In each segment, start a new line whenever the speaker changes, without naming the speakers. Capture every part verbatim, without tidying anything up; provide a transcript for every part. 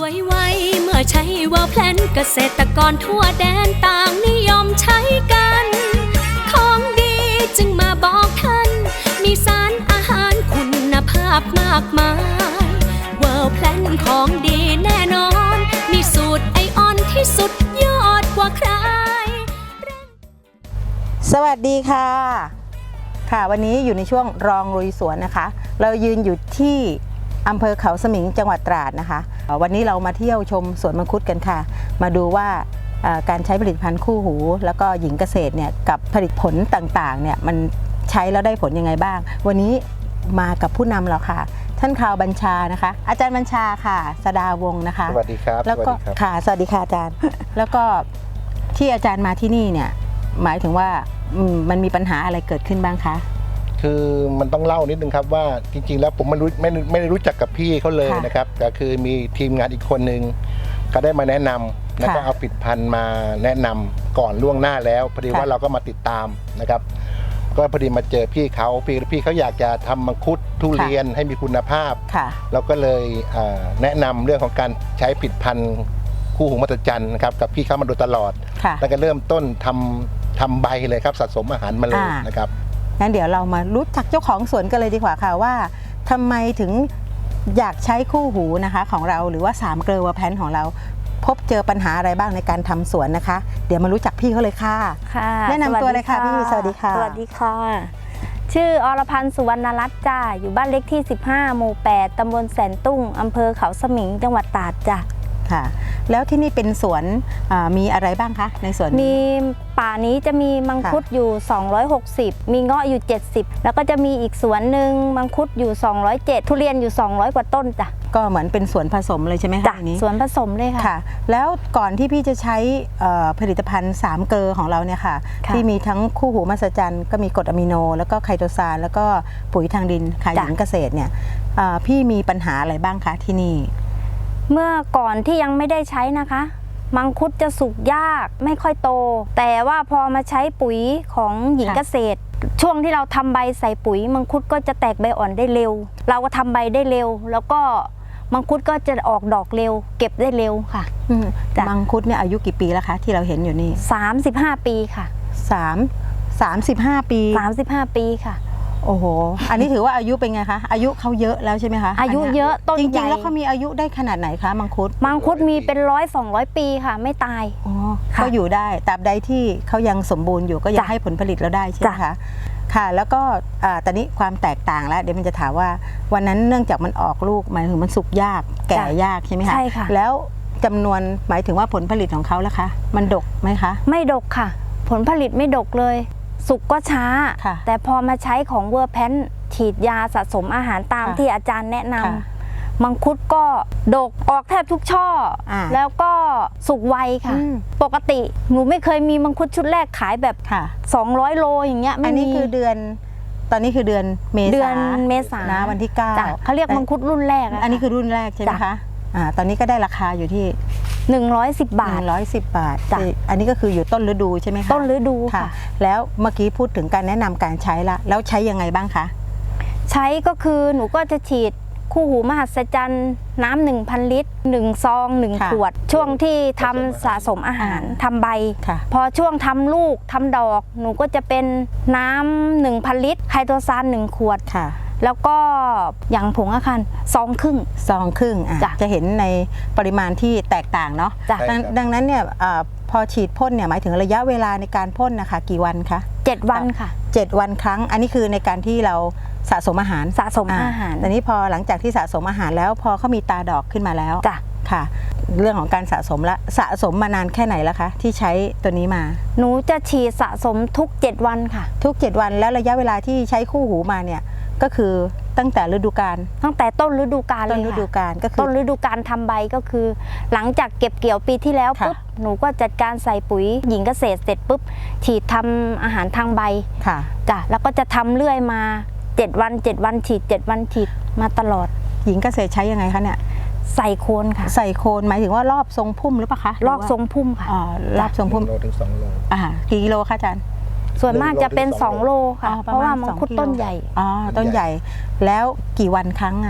วยไวเมื่อใช้ว่าแพลนเกษตรกรทั่วแดนต่างนิยมใช้กันของดีจึงมาบอกท่านมีสารอาหารคุณภาพมากมายเวิร์แพลนของดีแน่นอนมีสูตรไอออนที่สุดยอดกว่าใคร
สวัสดีค่ะค่ะวันนี้อยู่ในช่วงรองลุยสวนนะคะเรายืนอยู่ที่อำเภอเขาสมิงจังหวัดตราดนะคะวันนี้เรามาเที่ยวชมสวนมังคุดกันค่ะมาดูว่าการใช้ผลิตภัณฑ์คู่หูแล้วก็หญิงเกษตรเนี่ยกับผลิตผลต่างๆเนี่ยมันใช้แล้วได้ผลยังไงบ้างวันนี้มากับผู้นำเราค่ะท่านข่าวบัญชานะคะอาจารย์บัญชาค่ะสดาวงศ์นะคะ
สวัสดีครับ
แล้วก็ค่ะสวัสดีค่ะอาจารย์ แล้วก็ที่อาจารย์มาที่นี่เนี่ยหมายถึงว่ามันมีปัญหาอะไรเกิดขึ้นบ้างคะ
คือมันต้องเล่านิดนึงครับว่าจริงๆแล้วผมไม่รู้ไม่ไม่ได้รู้จักกับพี่เขาเลยนะครับก็คือมีทีมงานอีกคนนึงก็ได้มาแนะนำแล้วก็เอาผลิตภัณฑ์มาแนะนำก่อนล่วงหน้าแล้วพอดีว่าเราก็มาติดตามนะครับก็พอดีมาเจอพี่เขาพี่พี่เขาอยากจะทำมังคุดทุเรียนให้มีคุณภาพเราก็เลยแนะนำเรื่องของการใช้ผลิตภัณฑ์คู่หูมหัศจรรย์นะครับกับพี่เขามาโดยตลอดแล้วก็เริ่มต้นทำทำใบเลยครับสะสมอาหารมาเลยนะครับ
งั้นเดี๋ยวเรามารู้จักเจ้าของสวนกันเลยดีกว่าค่ะว่าทำไมถึงอยากใช้คู่หูนะคะของเราหรือว่าสามเกลือเวอร์แพนของเราพบเจอปัญหาอะไรบ้างในการทำสวนนะคะเดี๋ยวมารู้จักพี่เขาเลยค่ะ
ค่ะ
แนะนำตัวเลยค่ะพี่สวัสดีค่ะ
สวัสดีค่ะชื่ออรพันธ์สุวรรณรัตน์จ้าอยู่บ้านเล็กที่สิบห้าหมู่แปดตำบลแสนตุ้งอำเภอเขาสมิงจังหวัดตราดจ้ะ
ค่ะแล้วที่นี่เป็นสวนมีอะไรบ้างคะในสวน
มีป่านี้จะมีมังคุดอยู่สองร้อยหกสิบมีเงาะอยู่เจ็ดสิบแล้วก็จะมีอีกสวนหนึ่งมังคุดอยู่สองร้อยเจ็ดทุเรียนอยู่สองร้อยกว่าต้นจ้ะ
ก็เหมือนเป็นสวนผสมเลยใช่ไหมคะ
นี้สวนผสมเลยค่ะ
แล้วก่อนที่พี่จะใช้ผลิตภัณฑ์สามเกลือของเราเนี่ยค่ะที่มีทั้งคู่หูมหัศจรรย์ก็มีกรดอะมิโนแล้วก็ไคโตซานแล้วก็ปุ๋ยทางดินขายหญิงเกษตรเนี่ยพี่มีปัญหาอะไรบ้างคะที่นี่
เมื่อก่อนที่ยังไม่ได้ใช้นะคะมังคุดจะสุกยากไม่ค่อยโตแต่ว่าพอมาใช้ปุ๋ยของหญิงเกษตรช่วงที่เราทำใบใส่ปุ๋ยมังคุดก็จะแตกใบอ่อนได้เร็วเราก็ทำใบได้เร็วแล้วก็มังคุดก็จะออกดอกเร็วเก็บได้เร็วค่ะ
มังคุดเนี่ยอายุกี่ปีแล้วคะที่เราเห็นอยู่นี่
สามสิบห้าปีค่ะ
สามสามสิบห้าปี
สามสิบห้าปีค่ะ
โอ้โหอันนี้ถือว่าอายุเป็นไงคะอายุเขาเยอะแล้วใช่ไหมคะ
อายุเยอะต้นใหญ่
จริงๆแล้วเขามีอายุได้ขนาดไหนคะมังคุด
มังคุดมีเป็นร้อยสองร้อยปีค่ะไม่ตาย
อ๋อเขาอยู่ได้ตราบใดที่เขายังสมบูรณ์อยู่ก็ยังให้ผลผลิตเราได้ใช่ไหมคะค่ะแล้วก็ตอนนี้ความแตกต่างแล้วเดี๋ยวมันจะถามว่าวันนั้นเนื่องจากมันออกลูกหมายถึงมันสุกยากแก่ยากใช่ไหมคะ
ใช่ค่ะ
แล้วจำนวนหมายถึงว่าผลผลิตของเขาล่ะคะมันดกไหมคะ
ไม่ดกค่ะผลผลิตไม่ดกเลยสุกก็ช้าแต่พอมาใช้ของเวอร์แพนฉีดยาสะสมอาหารตามที่อาจารย์แนะนำมังคุดก็ดกออกแทบทุกช่อแล้วก็สุกไวค่ะปกติหนูไม่เคยมีมังคุดชุดแรกขายแบบสองร้อยโลอย่างเงี้ย
อันนี้คือเดือนตอนนี้คือเดือนเมษา
เดือนเมษา
นะวันที่เก้า
เขาเรียกมังคุดรุ่นแรก
อันนี้คือรุ่นแรกใช่ไหมคะอ่าตอนนี้ก็ได้ราคาอยู่ที่
หนึ่งร้อยสิบบาท
หนึ่งร้อยสิบบาทอันนี้ก็คืออยู่ต้นฤดูใช่ไหมคะ
ต้นฤดูค่ะ
แล้วเมื่อกี้พูดถึงการแนะนำการใช้ละแล้วใช้ยังไงบ้างคะ
ใช้ก็คือหนูก็จะฉีดคู่หูมหัศจรรย์น้ำหนึ่งพันลิตรหนึ่งซองหนึ่งขวดช่วงที่ทำสะสมอาหารทำใบพอช่วงทำลูกทำดอกหนูก็จะเป็นน้ำหนึ่งพันลิตรไคโตซานหนึ่งขวดแล้วก็อย่างผงอาคารซองครึ่ง
ซองครึ่งจะเห็นในปริมาณที่แตกต่างเนาะดังนั้นเนี่ยพอฉีดพ่นเนี่ยหมายถึงระยะเวลาในการพ่นนะคะกี่วันคะ
เจ็ดวันค่ะ
เจ็ดวันครั้งอันนี้คือในการที่เราสะสมอาหาร
สะสมอาหาร
แต่นี้พอหลังจากที่สะสมอาหารแล้วพอเขามีตาดอกขึ้นมาแล้ว
จ้ะ
ค่ะเรื่องของการสะสมละสะสมมานานแค่ไหนแล้วคะที่ใช้ตัวนี้มา
หนูจะฉีดสะสมทุกเจ็ดวันค่ะ
ทุกเจ็ดวันแล้วระยะเวลาที่ใช้คู่หูมาเนี่ยก็คือตั้งแต่ฤดูกาล
ตั้งแต่ต้นฤดูกาลเลย
ต้นฤดูกาลก็คือ
ต้นฤดูกาลทำใบก็คือหลังจากเก็บเกี่ยวปีที่แล้วปุ๊บหนูก็จัดการใส่ปุ๋ยหญิงเกษตรเสร็จปุ๊บฉีดทำอาหารทางใบ
ค่ะ
จ้ะแล้วก็จะทำเรื่อยมาเจ็ดวันเจ็ดวันฉีดเจ็ดวันฉีดมาตลอด
หญิงเกษตรใช้ยังไงคะเนี่ย
ใส่โคนค่ะ
ใส่โคนหมายถึงว่ารอบทรงพุ่มหรือเปล่าคะ
รอบทรงพุ่มค่ะ
อ๋อรอบทรงพุ่ม
โลถึงสองโล
อ่ากี่กิโลคะอาจารย์
ส่วนมากจะเป็นสองโลค่ะเพราะว่ามังคุดต้นใหญ่
อ๋อต้นใหญ่แล้วกี่วันครั้งอ่ะ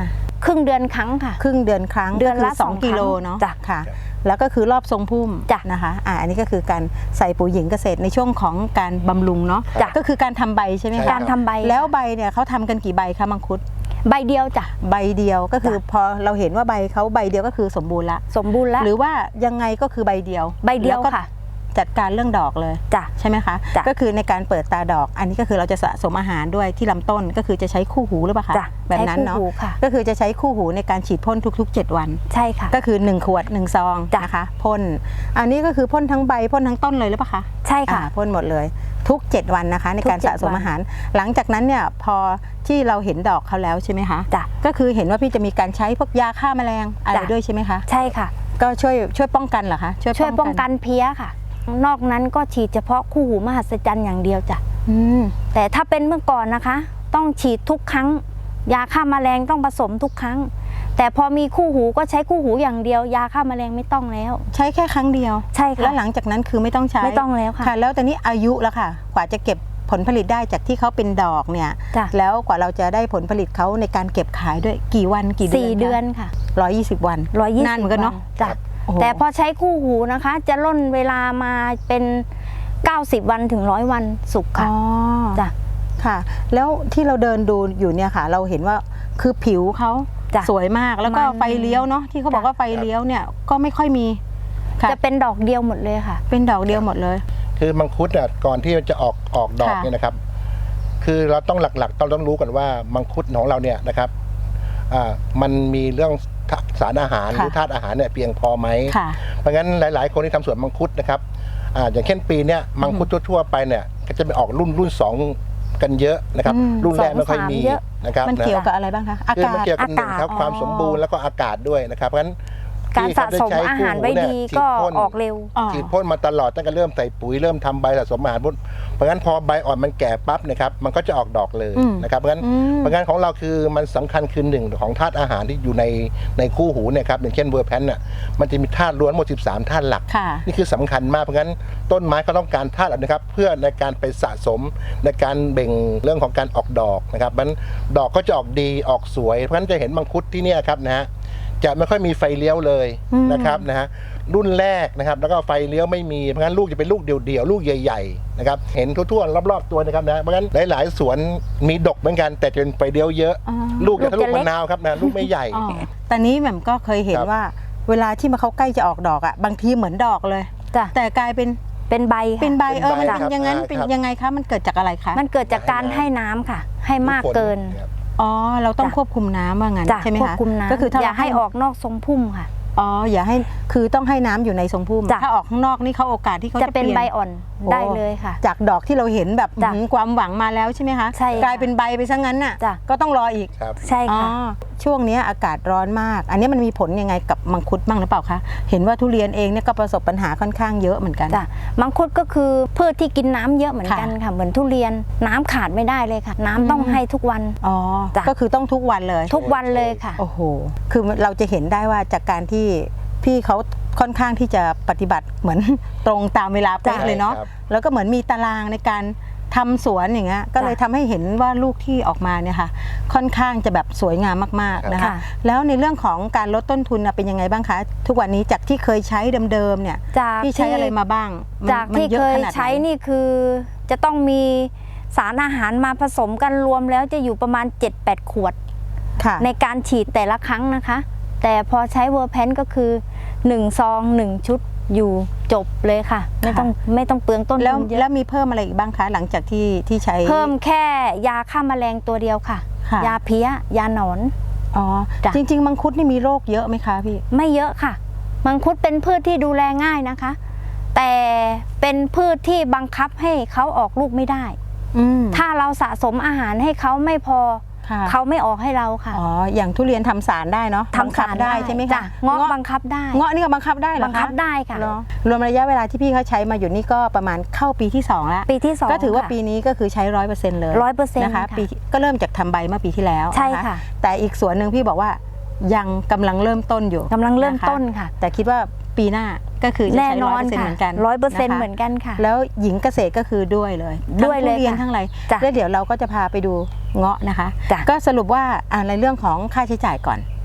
ครึ่งเดือนครั้งค่ะ
ครึ่งเดือนครั้ง
เดือนละ
ก็คืสอง
สอง
กิโล
ครั้ง
เนาะ
จ้ะ
ค่ะ แล้วก็คือรอบทรงพุ่ม
จ้ะ
นะคะอ่าอันนี้ก็คือการใส่ปุ๋ยหญิงเกษตรในช่วงของการบำรุงเนาะ
จ้ะ
ก็คือการทำใบใช่ไหม
ใช่
คะ
การทำใบ
แล้วใบเนี่ยเขาทำกันกี่ใบคะมังคุด
ใบเดียวจ้ะ
ใบเดียวก็คือ
จ้ะ
พอเราเห็นว่าใบเขาใบเดียวก็คือสมบูรณ์ละ
สมบูรณ์แล้ว
หรือว่ายังไงก็คือใบเดียว
ใบเดียว
แล้ก็
ค่ะ
จัดการเรื่องดอกเลย
จ้ะ
ใช่ไหมคะ
จ้ะ
ก็คือในการเปิดตาดอก อันนี้ก็คือเราจะสะสมอาหารด้วยที่ลำต้นก็คือจะใช้คู่หูหรือเปล่าคะ
จ้ะ
แบบนั้นเนาะ
ใช้คู่หูค่ะ
ก็คือจะใช้คู่หูในการฉีดพ่นทุกๆ เจ็ดวัน
ใช่ค่ะ
ก็คือหนึ่งขวดหนึ่งซอง
จ้ะ
นะคะพ่นอันนี้ก็คือพ่นทั้งใบพ่นทั้งต้นเลยหรือเปล่าคะ
ใช่ค่ะ
อ่าพ่นหมดเลยทุกเจ็ดวันนะคะในการ
ทุกเจ็
สะ
ด
สม
วัน
อาหาร หลังจากนั้นเนี่ยพอที่เราเห็นดอกเขาแล้วใช่ไหมคะ
จ้ะ
ก็คือเห็นว่าพี่จะมีการใช้พวกยาฆ่าแมลงอะไร
จ้ะ
ด้วยใช่ไหมคะ
ใช่ค่ะ
ก็ช่วยช่วยป้องกันเหรอคะ
ช่วยป้องกันเพี้ยค่ะ นอกนั้นก็ฉีดเฉพาะคู่หูมหัศจรรย์อย่างเดียวจ้ะ
อืม
แต่ถ้าเป็นเมื่อก่อนนะคะ ต้องฉีดทุกครั้ง ยาฆ่าแมลงต้องผสมทุกครั้ง แต่พอมีคู่หูก็ใช้คู่หูอย่างเดียว ยาฆ่าแมลงไม่ต้องแล้ว
ใช้แค่ครั้งเดียว
ใช่ค่ะ
แล้วหลังจากนั้นคือไม่ต้องใช้
ไม่ต้องแล้วค่ะ
ค่ะ แล้วตอนนี้อายุแล้วค่ะ กว่าจะเก็บผลผลิตได้จากที่เขาเป็นดอกเนี่ย
จ้ะ
แล้วกว่าเราจะได้ผลผลิตเขาในการเก็บขายด้วยกี่วันกี่เดือน
สี่เดือนค่ะ
ร้อยยี่สิบวัน
ร้อยยี่สิบ
นานเหมือนกันเนาะ
จ้ะ
โอ้โห
แต่พอใช้คู่หูนะคะ จะล่นเวลามาเป็นเก้าสิบวันถึงร้อยวันสุกค่ะ
อ๋อ
จ้ะ
ค่ะ แล้วที่เราเดินดูอยู่เนี่ยค่ะ เราเห็นว่าคือผิวเขา
จ้ะ
สวยมากแล้วก็
มัน
ไฟเลี้ยวเนาะที่เขาบอก
จ้ะ
ว่าไฟเลี้ยวเนี่ยก็ไม่ค่อยมีค่ะ
จะเป็นดอกเดียวหมดเลยค่ะ
เป็นดอกเดียวหมดเลย
คือมังคุดอ่ะก่อนที่จะออกออกดอก
ค่ะ
เนี่ยนะครับ คือเราต้องหลักๆต้องต้องรู้กันว่ามังคุดของเราเนี่ยนะครับอ่ามันมีเรื่องสารอาหารห
ค่ะ
รือธาตุอาหารเนี่ยเพียงพอไหม
ค่ะ
เพราะงั้นหลาย ๆ คนที่ทำสวนมังคุดนะครับอ่าอย่างเช่นปีเนี้ยมังคุดทั่วๆไปเนี่ยก็จะไปออกรุ่นรุ่นสองกันเยอะนะครับ
อืม
รุ่นแรกไม่ค่อย
สองสาม
มี
เยอะ
นะครับ
มัน
นะ
เกี่ยวกับอะไรบ้างคะอา
คือก
า
มัน
ศ
เกี่ยวกับหนึ่งครับ
อากาศ
ความสมบูรณ์แล้วก็อากาศด้วยนะครับเพราะฉะนั้น
การสะสม
ที่เข
อาหารไว้
ใช้
ดี
คู่หู
ก็
เนี่ยฉีดพ่น
ออกเร็ว
อ๋อ
ฉีดพ่นมาตลอดตั้งแต่เริ่มใส่ปุ๋ยเริ่มทำใบสะสมอาหารพ่นเพราะงั้นพอใบอ่อนมันแก่ปั๊บนะครับมันก็จะออกดอกเลย
อืม
นะครับเพราะงั้น
อืม
เพราะงั้นของเราคือมันสำคัญคือหนึ่งของธาตุอาหารที่อยู่ในในคู่หูเนี่ยครับอย่างเช่นเวอร์แพนน่ะมันจะมีธาตุล้วนหมดสิบสามธาตุหลัก
ค่ะ
นี่คือสำคัญมากเพราะงั้นต้นไม้ก็ต้องการธาตุเหล่านี้ครับเพื่อในการไปสะสมในการเบ่งเรื่องของการออกดอกนะครับมันดอกก็จะออกดีออกสวยเพราะฉะนั้นจะเห็นมังคุดที่เนี่ยครับนะฮะจะไม่ค่อยมีไฟเลี้ยวเลย
อืม
นะครับนะฮะรุ่นแรกนะครับแล้วก็ไฟเลี้ยวไม่มีเพราะงั้นลูกจะเป็นลูกเดี่ยวๆลูกใหญ่ๆนะครับเห็นทั่วๆรอบๆตัวนะครับนะเพราะงั้นหลายๆสวนมีดกเหมือนกันแต่จะเป็นไฟเลี้ยวเยอะ
อ๋อ
ลูกจะทะ
ลู
ลุ
กจะเล็ก
มะนาวครับนะลูกไม่ใหญ่
อ๋อแต่นี้แหม่มก็เคยเห็น
ครับ
ว่า เวลาที่มาเขาใกล้จะออกดอกอ่ะบางทีเหมือนดอกเลย
จ้ะ
แต่กลายเป็น
เป็นใบค่ะ
เป็นใบเออมัน
เป็นใบ
เป็นอย่างนั้น
ครับ
เป็น
ครับ
ยังไงคะมันเกิดจากอะไรคะ
มันเกิดจากการให้น้ำค่ะ ให้มากเกิน
ครับ
อ๋อเราต้อง
จ้ะ
ควบคุมน้ำว่างั้น
จ้ะ
ใช่ไหม
ควบ
คะ
คุมน้ำ
ก็คือถ้า
อย่า
เรา
ให้ออกนอกทรงพุ่มค่ะ
อ๋ออย่าให้คือต้องให้น้ำอยู่ในทรงพุ่ม
จ้ะ
ถ้าออกข้างนอกนี่เขาโอกาสที่เขา
จะ
จะ
เป็น
ลี่ย
ใบอ่อน
โอ้
ได้เลยค่ะ
จากดอกที่เราเห็นแบบ
จ้ะ
หืมความหวังมาแล้วใช่ไหมคะ
ใช่ค่ะ
กลายเป็นใบไปซะงั้นน่ะ
จ้ะ
ก็ต้องรออีก
ครับ
ใช่
อ๋อ
ค่ะ
ช่วงนี้อากาศร้อนมาก อันนี้มันมีผลยังไงกับมังคุดบ้างหรือเปล่าคะเห็นว่าทุเรียนเองเนี่ยก็ประสบปัญหาค่อนข้างเยอะเหมือนกัน
จ้ะมังคุดก็คือพืชที่กินน้ำเยอะเหมือนกัน
ค่ะ
ค่ะ เหมือนทุเรียนน้ำขาดไม่ได้เลยค่ะ น้ำต้อง
อืม
ให้ทุกวัน
อ๋อ
จ้ะ
ก็คือต้องทุกวันเลย
ทุกวันเลยค่ะ
โอ้โห คือเราจะเห็นได้ว่าจากการที่พี่เขาค่อนข้างที่จะปฏิบัติเหมือน ตรงตามเวลาเป๊ะ
ใช่
เลยเนาะ
ครับ
แล้วก็เหมือนมีตารางในการทำสวนอย่างเงี้ย ก็เลยทำให้เห็นว่าลูกที่ออกมาเนี่ยค่ะ ค่อนข้างจะแบบสวยงามมากๆนะคะ
ค่ะ
แล้วในเรื่องของการลดต้นทุนน่ะเป็นยังไงบ้างคะ ทุกวันนี้จากที่เคยใช้เดิมๆเนี่ย
จาก
พี่ใช้อะไรมาบ้างมัน
จาก
มัน
ที่
อะ
เคย
ขนาดไหน
ใช้นี่คือจะต้องมีสารอาหารมาผสมกันรวมแล้วจะอยู่ประมาณ เจ็ดแปด ขวด
ค่ะ
ในการฉีดแต่ละครั้งนะคะ แต่พอใช้เวอร์แพนก็คือหนึ่งซองหนึ่งชุดอยู่จบเลยค่ะ ไม่ต้องไม่ต้องเปลืองต้น
แล้ว
ทุนเยอะ
แล้วมีเพิ่มอะไรอีกบ้างคะ หลังจากที่ที่ใช้
เพิ่มแค่ยาฆ่าแมลงตัวเดียวค่ะ
ค่ะ
ยาเพี้ย ยาหนอน
อ๋อ
จ้ะ
จริง ๆ มังคุดนี่มีโรคเยอะไหมคะพี่
ไม่เยอะค่ะ มังคุดเป็นพืชที่ดูแลง่ายนะคะ แต่เป็นพืชที่บังคับให้เขาออกลูกไม่ได้
อืม
ถ้าเราสะสมอาหารให้เขาไม่พอ
ค่ะ
เขาไม่ออกให้เราค่ะ
อ๋อ อย่างทุเรียนทำสารได้เนาะ
ทำสาร
บังคับได้ใช่ไหม
จ้
คะ
เงาะบังคับได้
เงาะนี่ก็บังคับได้เหรอ
บังคับได้ค่ะ
เหรอรวมระยะเวลาที่พี่เขาใช้มาอยู่นี่ก็ประมาณเข้าปีที่สองแล้ว
ปีที่สอง
ก็ถือว่า
ค่ะ
ปีนี้ก็คือใช้ร้อยเปอร์เซ็นต์เลย
ร้อยเปอร์เซ็นต์
นะคะ
ค่ะ
ปีก็เริ่มจากทำใบเมื่อปีที่แล้ว
ใช่
น
ค่ะ
แต่อีกส่วนหนึ่งพี่บอกว่ายังกำลังเริ่มต้นอยู่
กำลังเริ่ม
ะคะ
ต้นค่ะ
แต่คิดว่าปีหน้าก็คือจะ
แน่
ใช้
น
ร้
อ
อย
น
เปอร์เซ็นต์
ค่ะ
เหมือนกัน
ร้อยเปอร์เซ็นต์
ะคะ
เหมือนกันค่ะ
แล้วหญิงเกษตรก็คือด้วยเลย
ด้วยเลย
ทั้งทุเรียน
ค่ะ
ทั้งอะไร
จ้ะ
แล้วเดี๋ยวเราก็จะพาไปดูเงาะนะคะ
จ้ะ
ก็สรุปว่าอ่าในเรื่องของค่าใช้จ่ายก่อน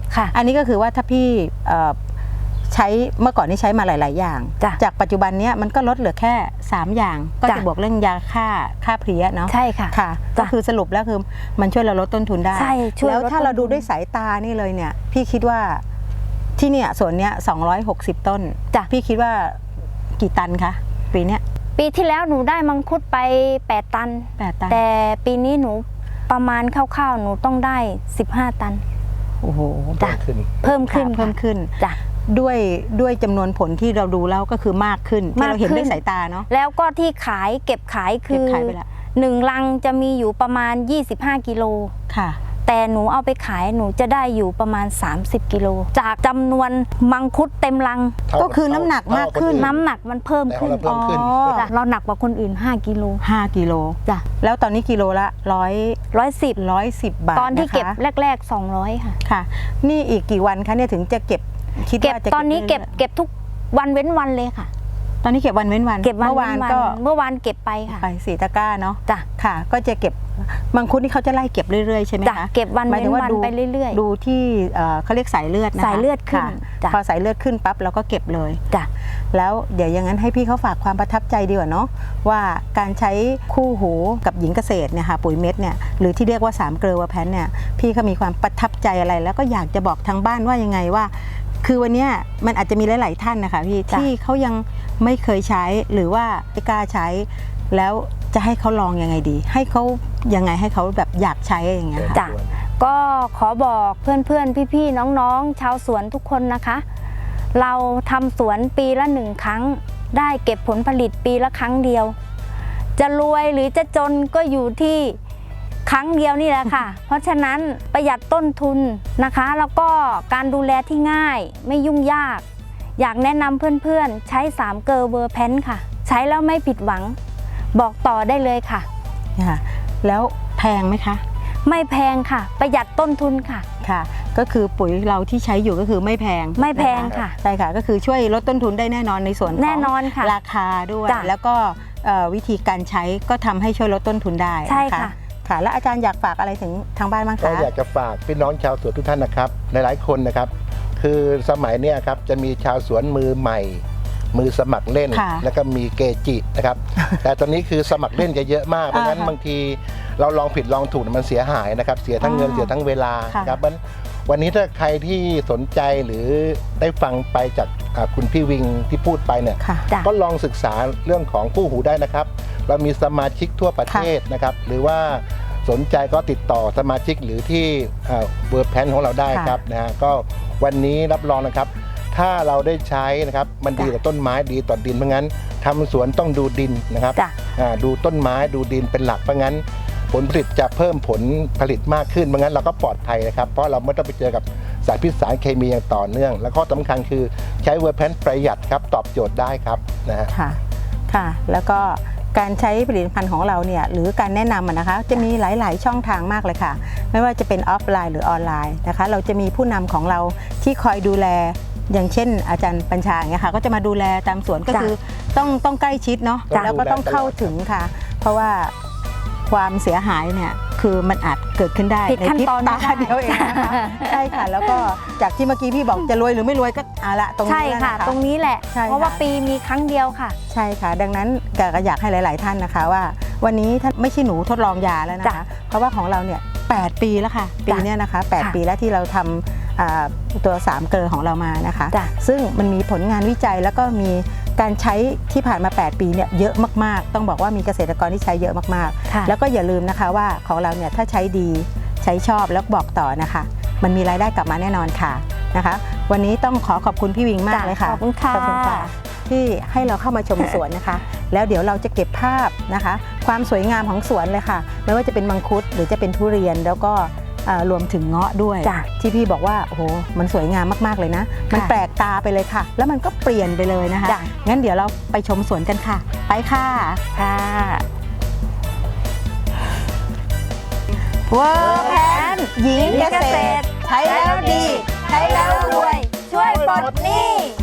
ค่ะ
อันนี้ก็คือว่าถ้าพี่เอ่อใช้เมื่อก่อนนี่ใช้มาหลาย ๆ อย่าง
จ้ะ
จากปัจจุบันเนี้ยมันก็ลดเหลือแค่สามอย่างก็
จ้ะ
จะบวกเรื่องยาฆ่าฆ่าเพลี้ยเนาะ
ใช่ค่ะ
ค่ะ
จ้ะ
ก็คือสรุปแล้วคือมันช่วยเราลดต้นทุนได้
ใช่ช่วย
แล้ว
ลด
ถ้าเรา
ต้นทุน
ดูด้วยสายตานี่เลยเนี่ยพี่คิดว่าที่เนี่ยสวนเนี้ยสองร้อยหกสิบต้น
จ้ะ
พี่คิดว่ากี่ตันคะปีเนี้ย
ปีที่แล้วหนูได้มังคุดไปแปดตัน
แปดตัน
แต่ปีนี้หนูประมาณคร่าวๆหนูต้องได้สิบห้าตัน
โอ้โห
จ้ะ
ขึ้น
เพิ่มขึ้น
ค่ะเพิ่มขึ้น
จ้ะ
ด้วยด้วยจำนวนผลที่เราดูแล้วก็คือมากขึ้นที่เราเห็น
มากขึ้น
ด้วยสายตาเนาะ
แล้วก็ที่ขายเก็บขายคื
เก็บ
อ
ขายไปละ
หนึ่งลังจะมีอยู่ประมาณยี่สิบห้ากิโล
ค่ะ
แต่หนูเอาไปขายหนูจะได้อยู่ประมาณสามสิบกิโลจากจำนวนมังคุดเต็มลัง
เท่า
ก็คือน้ำหนัก
เท่
มากขึ้น
คอื่
น้ำหนักมันเพิ่ม
แต่ขอ
ขึ้
ง
น
เราเพิ่มขึ้น
อ๋อ
จ้ะเราหนักกว่าคนอื่นห้ากิโล
ห้ากิโล
จ้ะ
แล้วตอนนี้กิโลละร้อย
ร้อยสิบ
ร้อยสิบบาท
ตอนที่
ะคะ
เก็บแรกๆสองร้อยค่ะ
ค่ะ นี่อีกกี่วันคะเนี่ยถึงจะเก็บคิด
เก็บ
ว่าจะ
ตอนนี้เก็บ
รื่ย
เก็บทุกวันเว้นวันเลยค่ะ
ๆตอนนี้เก็บวันเว้นวัน
เก็บวัน
เมื่อวาน
เว้น
ก็
เมื่อวานเก็บไปค่ะ
ไปสี่ตะกร้าเนาะ
จ้ะ
ค่ะ ก็จะเก็บมังคุดนี่เขาจะไล่เก็บเรื่อยๆใช่ไหม
จ้ะ
คะ
เก็บวัน
หมายถึ
เว้
ง
น
ว่า
วัน
ดู
ไปเรื่อยๆ
ดูที่เอ่อเขาเรียกสายเลือดนะคะ
สายเลือดขึ้น
ค่ะ
จ้ะ
พอสายเลือดขึ้นปั๊บเราก็เก็บเลย
จ้ะ
แล้วเดี๋ยวอย่างนั้นให้พี่เขาฝากความประทับใจดีกว่าเนาะว่าการใช้คู่หูกับหญิงเกษตรเนี่ยค่ะปุ๋ยเม็ดเนี่ยหรือที่เรียกว่าสามเกลือเวอร์แพนเนี่ยพี่เขามีความประทับใจอะไร แล้วก็อยากจะบอกทางบ้านว่ายังไงว่า คือวันเนี้ยมันอาจจะมีหลาย ๆ ท่านนะคะพี่
จ้ะ
ที่เขายังไม่เคยใช้หรือว่าไม่กล้าใช้ แล้วจะให้เขาลองยังไงดี ให้เขายังไงให้เขาแบบอยากใช้อย่างเงี้ยค่ะ
จ้ะ ก็ขอบอกเพื่อนๆ พี่ๆ น้องๆ ชาวสวนทุกคนนะคะ เราทำสวนปีละหนึ่งครั้ง ได้เก็บผลผลิตปีละครั้งเดียว จะรวยหรือจะจนก็อยู่ที่ครั้งเดียวนี่แหละค่ะ เพราะฉะนั้นประหยัดต้นทุนนะคะ แล้วก็การดูแลที่ง่ายไม่ยุ่งยาก อยากแนะนำเพื่อนๆ ใช้สามเกลอเวอร์แพนค่ะ ใช้แล้วไม่ผิดหวัง บอกต่อได้เลยค่ะ
ค่ะแล้วแพงไหมคะ
ไม่แพงค่ะ ประหยัดต้นทุนค่ะ
ค่ะ ก็คือปุ๋ยเราที่ใช้อยู่ก็คือไม่แพง
ไม่แพง
น
ค่ะ
ใช่ค่ะก็คือช่วยลดต้นทุนได้แน่นอนในส่วนของ
แน่นอนค่ะ
ราคาด้วย
จ้ะ
แล้วก็เอ่อวิธีการใช้ก็ทำให้ช่วยลดต้นทุนได้
ใช่
น
ค่ะ
ค่ะ แล้วอาจารย์อยากฝากอะไรถึงทางบ้านบ้าง
ก็
คะ
อยากจะฝากพี่น้องชาวสวนทุกท่านนะครับหลายๆคนนะครับ คือสมัยเนี้ยครับจะมีชาวสวนมือใหม่ มือสมัครเล่น
ค่ะ
แล้วก็มีเกจินะครับ แต่ตอนนี้คือสมัครเล่นจะเยอะมากเพราะงั้น
อ่าค่ะ
บางทีเราลองผิดลองถูกมันเสียหายนะครับ เสียทั้งเงิน
อ่า
เสียทั้งเวลา
ค่ะ
ครับมันวันนี้ถ้าใครที่สนใจหรือได้ฟังไปจากอ่าคุณพี่วิงที่พูดไปเนี่ย
ค่ะ
จ้ะ
ก็ลองศึกษาเรื่องของคู่หูได้นะครับ เรามีสมาชิกทั่วประเทศนะครับ หรือว่าสนใจก็ติดต่อสมาชิกหรือที่เวอร์แพนของเราได้ครับนะฮะก็วันนี้รับรองนะครับ ถ้าเราได้ใช้นะครับมันดีต่อต้นไม้ดีต่อดินเพราะงั้นทำสวนต้องดูดินนะครับ
จ้ะ
อ่าดูต้นไม้ดูดินเป็นหลักเพราะงั้น ผลผลิตจะเพิ่มผลผลิตมากขึ้นเพราะงั้นเราก็ปลอดภัยนะครับ เพราะเราไม่ต้องไปเจอกับสารพิษสารเคมีอย่างต่อเนื่อง และข้อสำคัญคือใช้เวอร์แพนประหยัดครับตอบโจทย์ได้ครับนะฮะ
ค่ะ ค่ะ แล้วก็การใช้ผลิตภัณฑ์ของเราเนี่ยหรือการแนะนำอะนะคะ จะมีหลาย ๆ ช่องทางมากเลยค่ะ ไม่ว่าจะเป็นออฟไลน์หรือออนไลน์นะคะ เราจะมีผู้นำของเราที่คอยดูแล อย่างเช่น อาจารย์ปัญชาอย่างเงี้ยค่ะ ก็จะมาดูแลตามสวนก็
จ้ะ
คือต้องต้องใกล้ชิดเนาะ
จ้ะ
แล้วก็ต้องเข้าถึงค่ะ เพราะว่าความเสียหายเนี่ยคือมันอาจเกิดขึ้นได้
ผิดขั้น
ในพริบ
ตอน
ตา
ไม่ได้
เดียวเองนะคะ ใช่ค่ะ แล้วก็จากที่เมื่อกี้พี่บอกจะรวยหรือไม่รวยก็เอาละตรง
ใช่
นี้แล้ว
ค่ะ
นะคะ
ตรงนี้แหละ
ใช่ค่ะ
เพราะว่าปีมีครั้งเดียวค่ะ
ใช่ค่ะ ดังนั้นก็อยากให้หลาย ๆ ท่านนะคะว่า วันนี้ท่านไม่ใช่หนูทดลองยาแล้วนะ
จ้ะ
คะ เพราะว่าของเราเนี่ยแปดปีแล้วค่ะ ปี
จ้ะ
เนี้ยนะคะแปด
ค่ะ
ปีแล้วที่เราทำอ่าตัวสามเกลือของเรามานะคะ
จ้ะ
ซึ่งมันมีผลงานวิจัยแล้วก็มีการใช้ที่ผ่านมา แปด ปีเนี่ยเยอะมาก ๆ ต้องบอกว่ามีเกษตรกรที่ใช้เยอะมาก
ค่ะ
ๆ แล้วก็อย่าลืมนะคะว่าของเราเนี่ยถ้าใช้ดีใช้ชอบแล้วบอกต่อนะคะ มันมีรายได้กลับมาแน่นอนค่ะนะคะ วันนี้ต้องขอขอบคุณพี่วิงมาก
จ้ะ
เลยค่ะ
ขอบคุณค่ะ
ขอบคุณค่ะ ที่ให้เราเข้ามาชมสวนนะคะ แล้วเดี๋ยวเราจะเก็บภาพนะคะ ความสวยงามของสวนเลยค่ะ ไม่ว่าจะเป็นมังคุดหรือจะเป็นทุเรียนแล้วก็เอ่อรวมถึงเงาะด้วย
จ้ะ
ที่พี่บอกว่าโอ้โหมันสวยงามมากๆเลยนะ มัน
ค่ะ
แปลกตาไปเลยค่ะ แล้วมันก็เปลี่ยนไปเลยนะคะ
จ้ะ
งั้นเดี๋ยวเราไปชมสวนกันค่ะ ไปค่ะ
ค่ะ
เวอร์แพนหญิงเกษตร ใช้แล้วดี ใช้แล้วรวย
ช่วยปลดหนี้